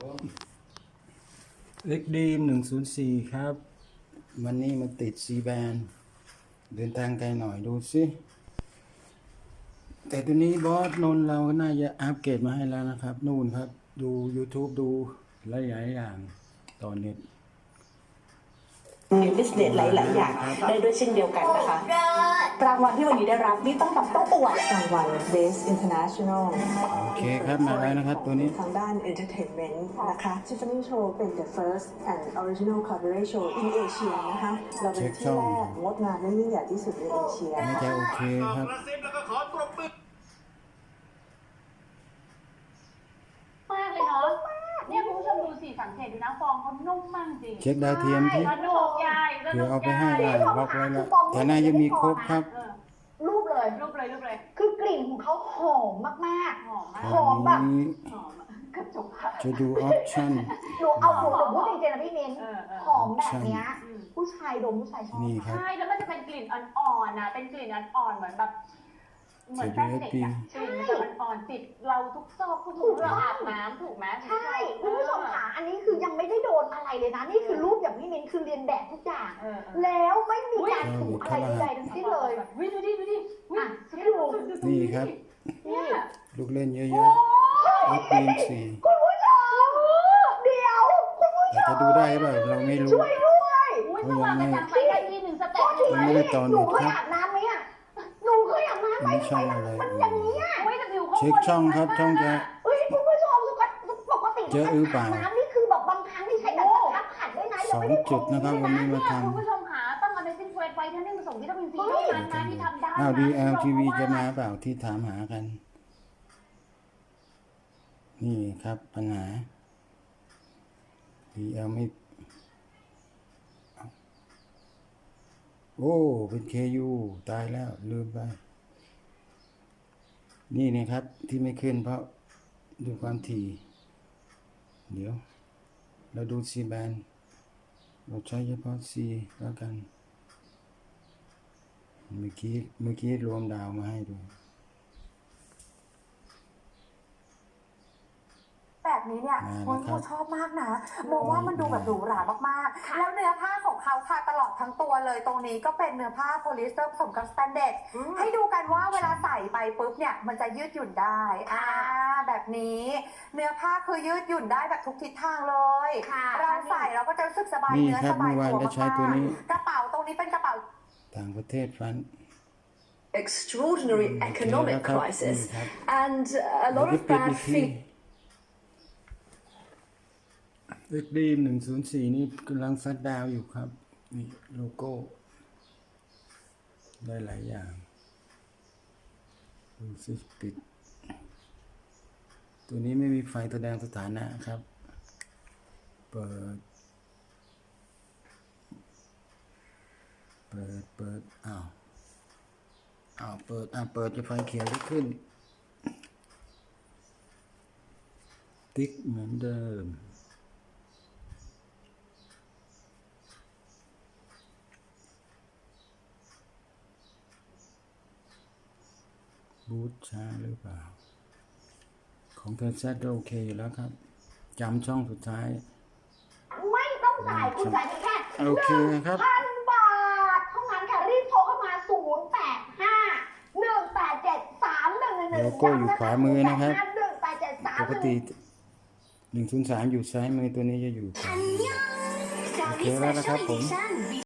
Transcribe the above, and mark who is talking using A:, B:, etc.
A: เล็กดีม104ครับวันนี้มาติดซีแบนเดินทางไกลหน่อยดูสิแต่ตัวนี้บอสนนเราก็น่าจะอัปเกรดมาให้แล้วนะครับนู่นครับดู YouTube ดูหลายๆอย่างตอนนี้
B: มีบิสเนสหลายๆอย่างได้ด้วยเช่นเดียวกันนะคะรางวัลที่วันนี้ได้รับนี่ต้องอวดรางวัล Best International
A: โอเคครับมาแล้วนะครับตัวนี้
B: ทางด้าน Entertainment นะคะ Tiffany Show เป็น the first and original cabaret show in Asia นะคะเราเป็นที่แรกงดงามและยิ่งใหญ่ที่สุดในเอเชีย
A: น่าจะโอเคครับ
C: มากเลยเนาะเนี่ยคุณผู้ชมดูสิสังเกตดูนะฟองเขานุ่มมากจริง
A: เช็คดาวเทียมที่
C: สนุกใหญ่
A: เดี๋ยวเอาไปให้ได้ล็อกไว้แล้วแต่น่าจะมีครบครับ
C: รูปเลย
D: คือกลิ่นของเขาหอมมาก
C: หอมมาก
D: หอมแบบ
C: หอมกระจก
A: จะดูออปชั่น
D: หนูเอาผมพูดจริงๆนะพี่มิ้นหอมแบบเนี้ยผู้ชายดมผู้ชายชอบ
A: นี่ครับ
C: ใช่แล้วมันจะเป็นกลิ่นอ่อนๆนะเป็นกลิ่นอ่อนๆเหมือนแบบเหมือนแป้งเด็กอะกลิ่นมันจะอ่อนๆติดเราทุกซอกทุกมุมเราอาบน้ำถูกไหม
D: ใช่คุณผู้ชมค่ะอันนี้คือยังไม่ได้โดนอะไรเลยนะนี่คือรูปอย่างพี่มิ้นคือเรียนแบบทุกอย่างแล้วไม่มีการถูกอะไรใดๆทั้งสิ้นเลย
C: ดูดิ
D: อ่ะให้ดู
A: นี่ครับลูกเล่นเยอะๆลูกปีนสี่
D: คุณผู้ชมเดี๋ยวคุณผู้ชม
A: จะดูได้ป่ะเราไม่รู้
D: ช่วยด้วย
C: เขายังไม่ไปได้ที่หนึ่งสเต็ป
A: ยังไม่ได้ตอน
D: หนู
A: นี้
D: เคย
A: ครับ
D: อาบน้ำไหมอ่ะหนูเคยอาบน้ำไหม
A: ไม่ช่องอะไร
D: มันอย่างนี้อ่ะ
A: เช็คช่องครับช่องจะ
D: เฮ้ยคุณผู้ชมปกติ
A: เจอเปล่า
D: น้ำนี่คือแบบบางครั้งที่ใช้แบบกระทับขัดด้วยนะ
A: 2 จุดนะครับวันนี้มาท
C: คุณผู้ชมหาต้องเอาในซินเฟรไฟท่านนี่ผสมวิตามินซีเท่านั้นนะที่ทำได้
A: ำDLTV จะมาเปล่าที่ถามหากัน นี่ครับปัญหา DL ไม่โอ้เป็น KU ตายแล้วลืมไปนี่นะครับที่ไม่ขึ้นเพราะดูความถี่เดี๋ยวเราดู C band เราใช้เฉพาะ C แล้วกันเมื่อกี้รวมดาวมาให้ดู
E: แบบนี้เนี่ยคนชอบมากนะมองว่ามันดูแบบหรูหรามากๆแล้วเนื้อผ้าของเขาค่ะตลอดทั้งตัวเลยตรงนี้ก็เป็นเนื้อผ้าโพลีสเตอร์ผสมกับสแตนเดร์ดให้ดูกันว่าเวลาใส่ไปปุ๊บเนี่ยมันจะยืดหยุ่นได้แบบนี้เนื้อผ้าคือยืดหยุ่นได้แบบทุกทิศทางเลยเราใส่เราก็จะรู้สึกสบายเนื้อสบายตัวมากๆกระเป๋าตรงนี้เป็นกระเป๋า
A: ต่างประเทศฟัน
B: extraordinary economic crisis and a lot of bad feet
A: เอ็กดี104นี่กำลังซัดดาวอยู่ครับนี่โลโก้ได้หลายอย่างดูสิปิดตัวนี้ไม่มีไฟแสดงสถานะครับเปิดอ้าวเปิดจะไฟเขียวจะขึ้นติ๊กเหมือนเดิมบูทช้าหรือเปล่าของเธอแซดโอเคอยู่แล้วครับจำช่องสุดท้าย
D: ไม่ต้องจ่ายคุณจ่ายแค่
A: โอเคครับ
D: 1,000 บาทเท่านั้นค่ะรีบโทรเข้ามา085 187 3111
A: โลโก้อยู่ขวามือนะครับ
D: 187
A: ปกติ103อยู่ซ้ายมือตัวนี้จะอยู่ขวาโอเคแล้วนะครับผม